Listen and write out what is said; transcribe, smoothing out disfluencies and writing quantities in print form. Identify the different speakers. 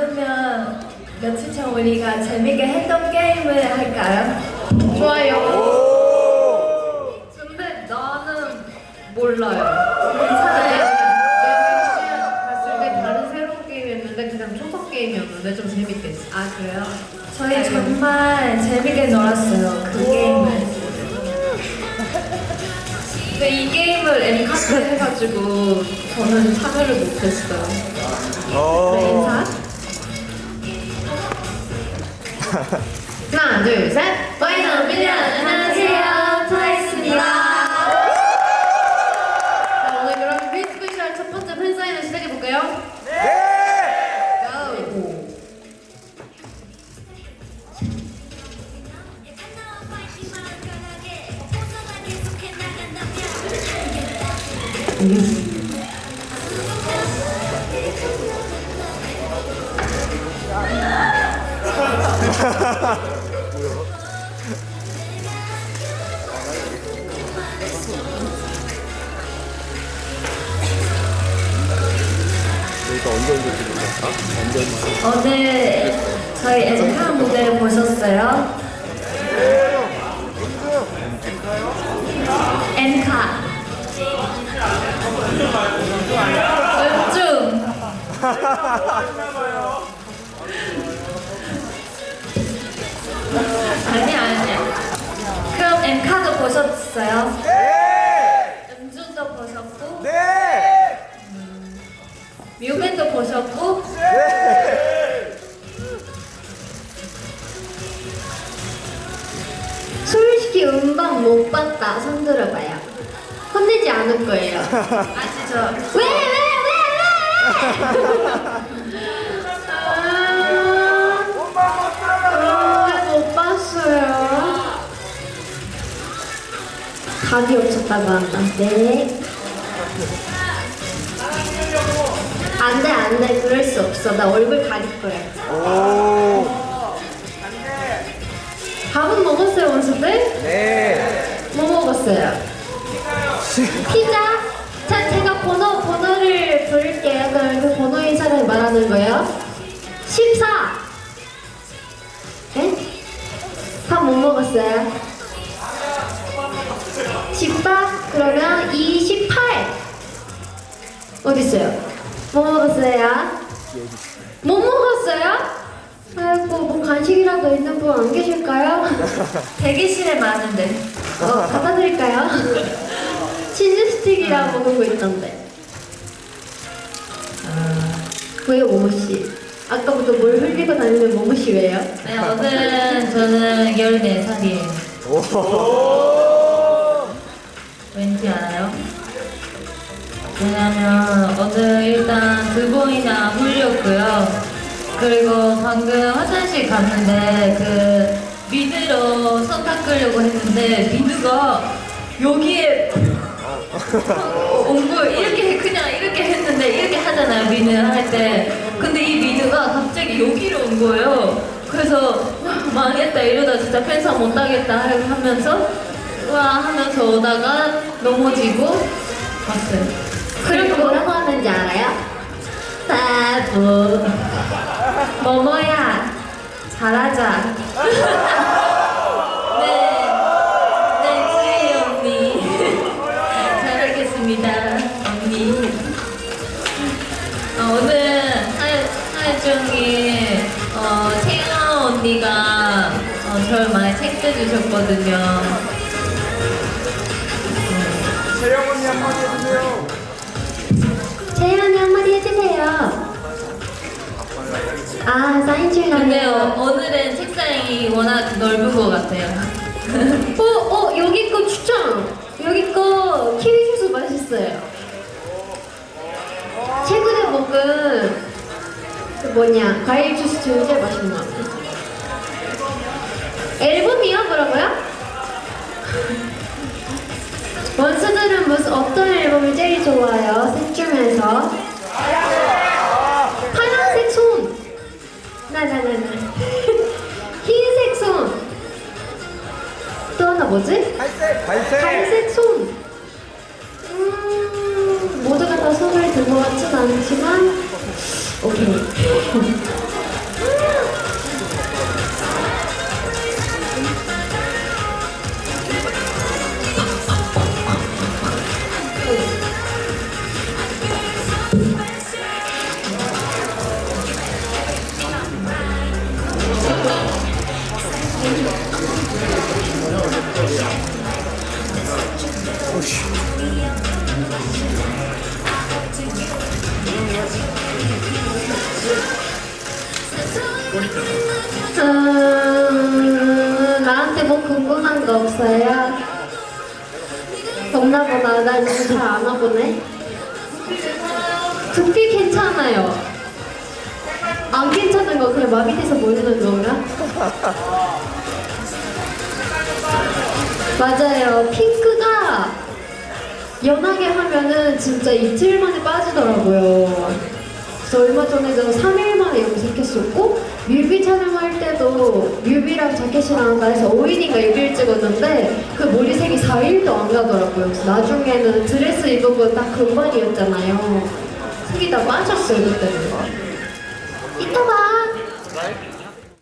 Speaker 1: 그러면 며칠 전 우리가 재밌게 했던 게임을 할까요?
Speaker 2: 좋아요.
Speaker 1: 근데 나는 몰라요.
Speaker 2: 괜찮아요.
Speaker 1: 괜찮아요?
Speaker 2: 봤을 때 다른 새로운 게임이었는데 그냥 초성 게임이었는데 좀 재밌게 했어.
Speaker 1: 아 그래요? 저희 정말 재밌게 놀았어요. 그 게임을. 근데 이 게임을 엠카트 해가지고 저는 참여를 못했어요. 그래 인사?
Speaker 2: 하나, 둘, 셋.
Speaker 1: 와이너 미련 안녕하세요. 트와이스입니다.
Speaker 2: 자, 오늘 그럼 뮤직비디오 첫 번째 팬사인을 시작해볼까요? 네! 고!
Speaker 1: 오늘 저희 엠카 무대 보셨어요? 엠카 웹툰 아니야 그럼 엠카도 보셨어요?
Speaker 3: 네!
Speaker 1: 음주도 보셨고
Speaker 3: 네!
Speaker 1: 뮤벤도 보셨고
Speaker 3: 네!
Speaker 2: 솔직히 음방 못 봤다. 손 들어봐요. 혼내지 않을 거예요.
Speaker 1: 아시죠?
Speaker 2: 왜? 못 봤어요. 각이 없었다고 한다. 네. 안 돼. 그럴 수 없어. 나 얼굴 가릴 거야.
Speaker 3: 오!
Speaker 2: 밥은 먹었어요, 원수들?
Speaker 3: 네!
Speaker 2: 뭐 먹었어요? 피자? 자, 제가 번호를 부를게요. 그럼 그 번호인 사람이 말하는 거예요. 14! 네? 밥 못 먹었어요? 18? 그러면 28! 어딨어요? 뭐 먹었어요? 못 먹었어요? 아이고, 뭐 간식이라도 있는 분 안 계실까요?
Speaker 1: 대기실에 많은데
Speaker 2: 갖다 드릴까요? 치즈 스틱이랑 먹은 거 있던데. 왜요, 모모씨? 아까부터 뭘 흘리고 다니는 모모씨 왜요?
Speaker 1: 네, 오늘은 저는 14살이에요. 왠지 알아요? 왜냐면 오늘 일단 두 번이나 훌렸고요. 그리고 방금 화장실 갔는데 그 미드로 손 닦으려고 했는데 미드가 여기에 온 거 이렇게 그냥 이렇게 했는데 이렇게 하잖아요 미드 할 때. 근데 이 미드가 갑자기 여기로 온 거예요. 그래서 망했다 이러다 진짜 팬사 못 하겠다 하면서 우와 하면서 오다가 넘어지고 갔어요.
Speaker 2: 그리고 뭐라고 하는지 알아요?
Speaker 1: 바보 뭐뭐야 잘하자. 네 주희 언니 잘하겠습니다 언니. 오늘 하중이 채영 언니가 저를 많이 챙겨주셨거든요.
Speaker 3: 재영 언니 한마디 해주세요.
Speaker 2: 재현이 한마디 해주세요. 아, 사인
Speaker 1: 근데
Speaker 2: 중이네요.
Speaker 1: 오늘은 책상이 워낙 넓은 것 같아요.
Speaker 2: 여기 거 추천! 여기 거 키위 주스 맛있어요. 최근에 먹은 그 뭐냐, 과일 주스 중에 제일 맛있는 것 같아요. 앨범이요? 뭐라고요? 원수들은 어떤 앨범이 제일 좋아요? 셋 중에서 파란색 손! 나나나나 흰색 손! 또 하나 뭐지?
Speaker 3: 갈색! 갈색!
Speaker 2: 갈색 손! 모두가 다 손을 든 것 같진 않지만 오케이 나한테 뭐 궁금한 거 없어요? 없나 보다. 나 이거 잘 아나 보네. 두피 괜찮아요. 안 괜찮은 거 그냥 마비 돼서 모르는 건가? 맞아요. 핑크가 연하게 하면은 진짜 이틀 만에 빠지더라고요. 그래서 얼마 전에도 3일 만에 염색했었고 뮤비 촬영할 때도 뮤비랑 자켓이랑 다 해서 5일인가 6일 찍었는데 그 머리색이 4일도 안 가더라고요. 그래서 나중에는 드레스 입은 딱 금반이었잖아요. 색이 다 빠졌어요 그때는. 이따 봐.